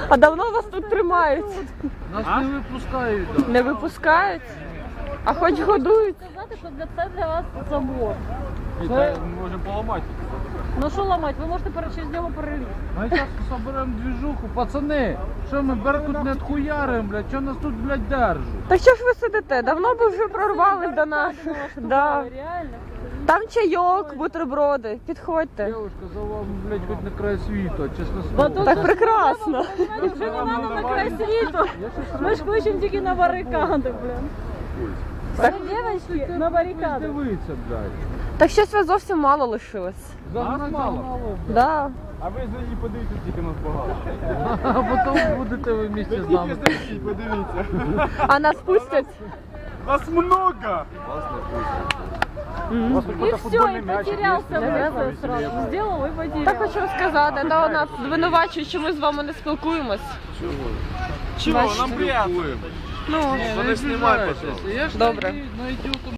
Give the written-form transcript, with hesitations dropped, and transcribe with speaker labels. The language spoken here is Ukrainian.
Speaker 1: А давно вас тут тримають?
Speaker 2: Нас не випускають. Да.
Speaker 1: Не випускають? А хоч годують?
Speaker 3: Сказати, що це для вас забор.
Speaker 2: Це ми можемо поламати.
Speaker 3: Ну що ламати? Ви можете через нього перелізти.
Speaker 2: Ми зараз соберемо движуху. Пацани, що ми Беркут не отхуяримо, блядь? Що нас тут, блядь, держать?
Speaker 1: Так що ж ви сидите? Давно б вже прорвали до нас. Да.
Speaker 3: Реально.
Speaker 1: Там чайок, бутерброди. Підходьте.
Speaker 2: Девушка, за вами, блядь, хоч на край світу, чесно
Speaker 3: Бо
Speaker 2: слово.
Speaker 3: тут
Speaker 1: Так прекрасно.
Speaker 3: вже не треба на край світу. Ми ж хочемо тільки на барикади, блін.
Speaker 1: Так.
Speaker 3: Дівчатки, на барикади.
Speaker 2: Дивіться, блядь.
Speaker 1: Так щось вас зовсім мало лишилось.
Speaker 2: Загнать мало.
Speaker 1: Да.
Speaker 4: А ви за її подивіться, тільки нас багато.
Speaker 2: А потім будете ви вместе з нами.
Speaker 4: Подивіться.
Speaker 1: А нас пустять?
Speaker 4: Нас много!
Speaker 3: І все, і потерявся весь сразу. Сделав і потеряв.
Speaker 1: Так хочу сказати, да, нас звинувачують, що ми з вами не спілкуємось.
Speaker 4: Чого? Нам приємно.
Speaker 1: Ну,
Speaker 2: Не знімай, пожалуйста. Я ж
Speaker 1: Добре.
Speaker 2: найду